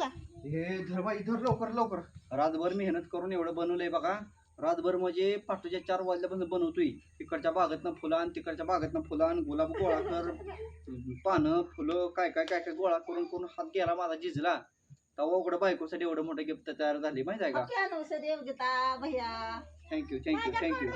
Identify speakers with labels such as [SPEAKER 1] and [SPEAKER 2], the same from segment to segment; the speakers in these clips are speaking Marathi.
[SPEAKER 1] हे धर बाई धर लवकर लवकर. रातभर मेहनत करून एवढं बनवलंय बघा. रातभर म्हणजे पहाटेच्या 4 वाजल्यापासून बनवतोय. इकडच्या बागेतनं फुलं आणि तिकडच्या बागेतनं फुलं आणि गुलाब गोळा कर, पानं फुलं काय काय काय काय गोळा करून करून हात गेला माझा झिजला. तेव्हा उघडं बायकोसाठी एवढं मोठं गिफ्ट तयार झाली माहिती आहे का. Thank you thank you thank you.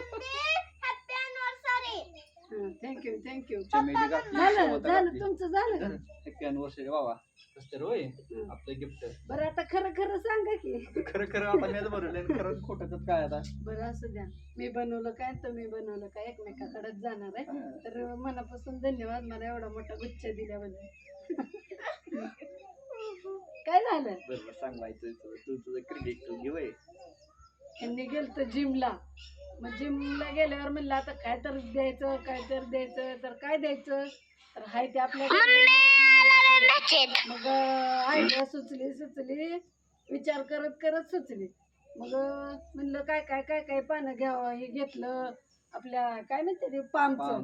[SPEAKER 2] Thank you thank you.
[SPEAKER 1] Chameli
[SPEAKER 2] झालं तुमचं झालं.
[SPEAKER 1] हॅपी अॅनिव्हर्सरी बाबा. कसं होय आपलं गिफ्ट.
[SPEAKER 2] बरं आता खरं खरं सांगा की.
[SPEAKER 1] खरं खरं आता मीच बनवलंय खरं खोटं काय आता.
[SPEAKER 2] बरं असू द्या. मी बनवलं काय तुम्ही बनवलं काय एकमेकाकडेच जाणार आहे. तर मनापासून धन्यवाद मला एवढा मोठा गुच्छ दिल्याबद्दल. काय झालं
[SPEAKER 1] बरोबर सांगायचं तुझं क्रेडिट तू घेऊ.
[SPEAKER 2] यांनी गेलं जिमला. मग जिमला गेल्यावर म्हणलं आता काय तर द्यायचं तर काय द्यायचं तर हाय ते आपल्या मग आयडिया सुचली विचार करत सुचली. मग म्हणलं काय काय काय काय पानं घ्यावं. हे घेतलं आपल्या काय म्हणते ते पामचं.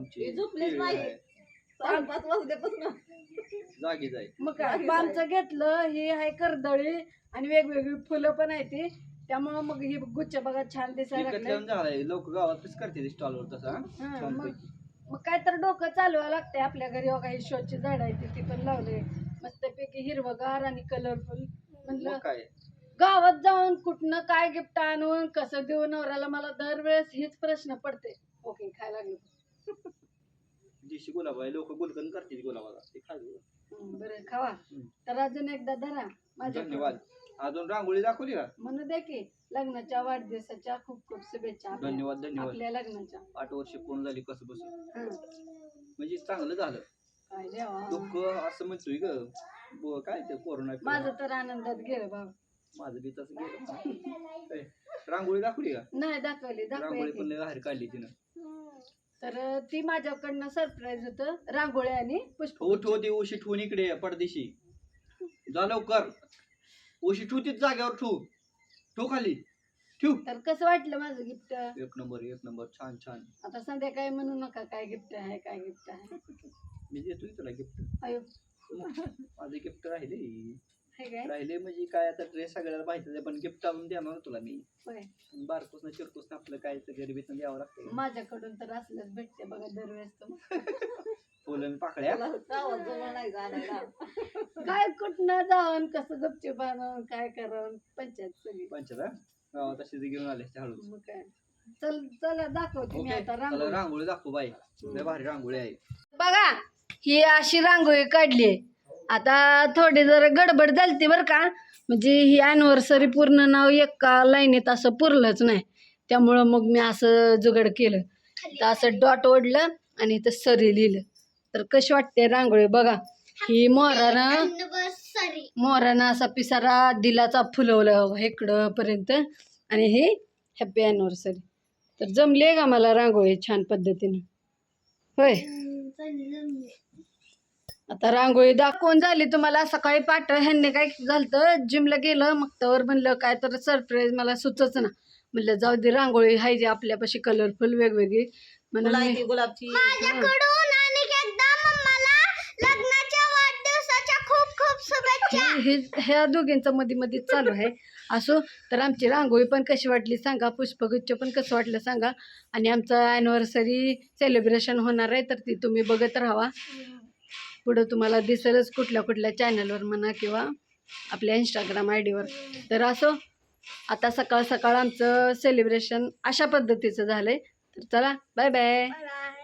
[SPEAKER 1] जागी जाई
[SPEAKER 2] मग काय पामचं घेतलं. हे आहे कर्दळी आणि वेगवेगळी फुलं पण आहे ती. त्यामुळे मग ही गुच्छ बघा छान दिसायला लागले.
[SPEAKER 1] लोक गावातच करते स्टॉलवर तसा.
[SPEAKER 2] मग काय तर डोकं चालवायला लागतंय आपल्या घरी. बघा ही शोची झाड आहे ती पण लावले मस्तपैकी हिरवगार आणि कलरफुल. म्हणलं
[SPEAKER 1] काय
[SPEAKER 2] गावात जाऊन कुठनं काय गिफ्ट आणून कसं देऊ नवऱ्याला. मला दरवेळेस हीच प्रश्न पडते. ओके खायला लागले
[SPEAKER 1] दिशी गुलाब आहे. लोक गुलकन करतील गुलाबाला ते खायला.
[SPEAKER 2] बरं खावा. तर अजून एकदा धरा माझ्या.
[SPEAKER 1] धन्यवाद. अजून रांगोळी दाखवली का.
[SPEAKER 2] म्हणू दे की लग्नाच्या वाढदिवसाच्या खूप खूप शुभेच्छा.
[SPEAKER 1] धन्यवाद धन्यवाद.
[SPEAKER 2] आपल्या लग्नाच्या
[SPEAKER 1] 8 वर्ष पूर्ण झाली कसं बसून. म्हणजे चांगलं झालं.
[SPEAKER 2] काय देवा
[SPEAKER 1] दुःख असं म्हणतोय ग काय ते कोरोना.
[SPEAKER 2] माझं तर आनंदात गेलं भाऊ.
[SPEAKER 1] माझं बी तसं गेलं. रांगोळी दाखवली का.
[SPEAKER 2] नाही दाखवली
[SPEAKER 1] रांगोळी पण लय बाहेर काढली तिनं.
[SPEAKER 2] तर ती माझ्याकडनं सरप्राईज होतं. रांगोळी आणि पुष्प.
[SPEAKER 1] ठो ती उशी ठेवून इकडे पडदेशी जा लवकर. उशी ठेव तीच जाग्यावर ठेव खाली ठेव.
[SPEAKER 2] तर कसं वाटलं माझं गिफ्ट.
[SPEAKER 1] एक नंबर छान छान.
[SPEAKER 2] आता संध्याकाळी म्हणू नका काय गिफ्ट आहे काय गिफ्ट आहे.
[SPEAKER 1] मी देतोय तुला गिफ्ट.
[SPEAKER 2] अयो
[SPEAKER 1] माझे गिफ्ट राहिले म्हणजे काय आता ड्रेस सगळ्याला माहिती पण गिफ्ट आणून देणार तुला मी. बारकोसनं चिरकोसनं आपलं काय गरिबीतनं द्यावं लागतं.
[SPEAKER 2] माझ्याकडून तर असलंच भेटते बघा दरवेळेस.
[SPEAKER 1] फुलं पाकळ्या
[SPEAKER 2] काय कुठनं जाऊन कसं गपचूप आणून काय करावं पंचायत सगळी.
[SPEAKER 1] पंचायत गावात अशी घेऊन आले हळू.
[SPEAKER 2] मग काय चला दाखवते मी आता
[SPEAKER 1] रांगोळी दाखव बाई. लय भारी रांगोळी आहे
[SPEAKER 2] बघा. ही अशी रांगोळी काढली. आता थोडी जरा गडबड झालती बरं का. म्हणजे ही अॅनिव्हर्सरी पूर्ण नाव एका लाईनीत असं पुरलंच नाही. त्यामुळं मग मी असं जुगाड केलं. तर असं डॉट ओढलं आणि इथं सरी लिहिलं. तर कशी वाटते रांगोळी बघा. ही मोरानं असा पिसारा दिलाचा फुलवलं इकडं पर्यंत. आणि ही हॅपी अॅनिव्हर्सरी. तर जमली आहे का मला रांगोळी छान पद्धतीने. होय आता रांगोळी दाखवून झाली तुम्हाला. सकाळी पाठ ह्यांनी काय झालं जिमला गेलं. मग त्यावर म्हणलं काय तर सरप्राईज मला सुचच ना. म्हणलं जाऊ दे रांगोळी हाय जे आपल्यापाशी कलरफुल वेगवेगळी म्हणून गुलाबची. ह्या दोघींचं मध्ये चालू आहे. असो तर आमची रांगोळी पण कशी वाटली सांगा. पुष्पगुच्छ पण कसं वाटलं सांगा. आणि आमचं ॲनिव्हर्सरी सेलिब्रेशन होणार आहे तर ती तुम्ही बघत राहा. पुढं तुम्हाला दिसेलच कुठल्या चॅनलवर म्हणा किंवा आपल्या इंस्टाग्राम आयडीवर. तर असो आता सकाळ आमचं सेलिब्रेशन अशा पद्धतीचं झालंय. तर चला बाय बाय.